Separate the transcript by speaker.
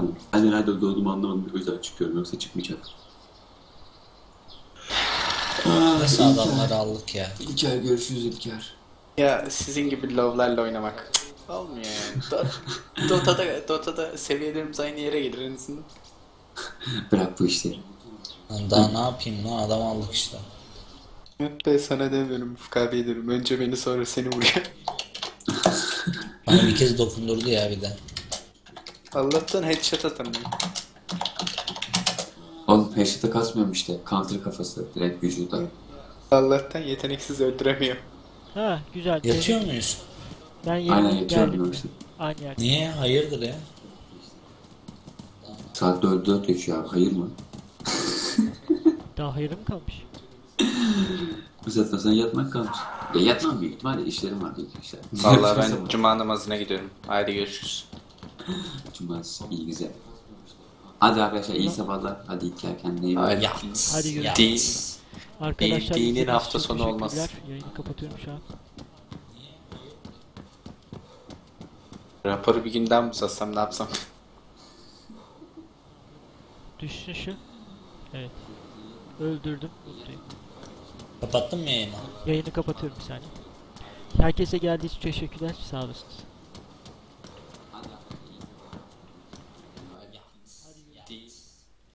Speaker 1: Tamam. Ben nerede doğduğumu anlamadım. O yüzden çıkıyorum. Yoksa çıkmayacak.
Speaker 2: Nasıl adamları aldık ya?
Speaker 1: İlker görüşürüz İlker.
Speaker 3: Ya sizin gibi low'larla oynamak olmuyor yani. Dota'da seviyelerimiz aynı yere gelir en azından.
Speaker 1: Bırak bu işleri.
Speaker 2: Lan daha ne yapayım lan, adam aldık işte.
Speaker 3: Ben sana demiyorum, Ufuk diyorum. Önce beni sonra seni vuruyor.
Speaker 2: Bana bir kez dokundurdu ya bir de.
Speaker 3: Allah'tan headshot atamıyor.
Speaker 1: Oğlum headshot'a kasmıyorum işte. Counter kafası. Direkt vücuda.
Speaker 3: Allah'tan yeteneksiz öldüremiyor.
Speaker 4: Ha güzel.
Speaker 2: Yatıyor muyuz?
Speaker 4: Ben
Speaker 1: Aynen
Speaker 4: yeni
Speaker 1: yatıyorum
Speaker 4: geldim.
Speaker 1: ben işte.
Speaker 4: Aynı yer.
Speaker 2: Niye? Hayırdır ya?
Speaker 1: Saat 4 geçiyor abi. Hayır mı?
Speaker 4: Daha hayırım mı kalmış?
Speaker 1: Bu saatten sonra yatmak kalmış. Ya yatmam büyük ihtimalle. İşlerim var büyük işler.
Speaker 3: Vallahi ben cuma namazına gidiyorum. Haydi görüşürüz.
Speaker 1: Cumartesi iyi güzel. Hadi arkadaşlar iyi sabahlar. Hadi İlker kendine iyi bak.
Speaker 3: Haydi.
Speaker 2: Yat.
Speaker 4: Hadi görüşürüz.
Speaker 2: Yat.
Speaker 3: Değil.
Speaker 4: Arkadaşlar
Speaker 3: Dinin
Speaker 4: izlediğiniz
Speaker 3: hafta
Speaker 4: için
Speaker 3: sonu olmaz.
Speaker 4: teşekkürler. Yayını kapatıyorum şu an.
Speaker 3: Raporu bir günden mi uzatsam ne yapsam?
Speaker 4: Düşsün şu. Evet. Öldürdüm. Mutluyum.
Speaker 2: Kapattın mı yayını?
Speaker 4: Yayını kapatıyorum bir saniye. Herkese geldiği için teşekkürler. Sağ olasınız.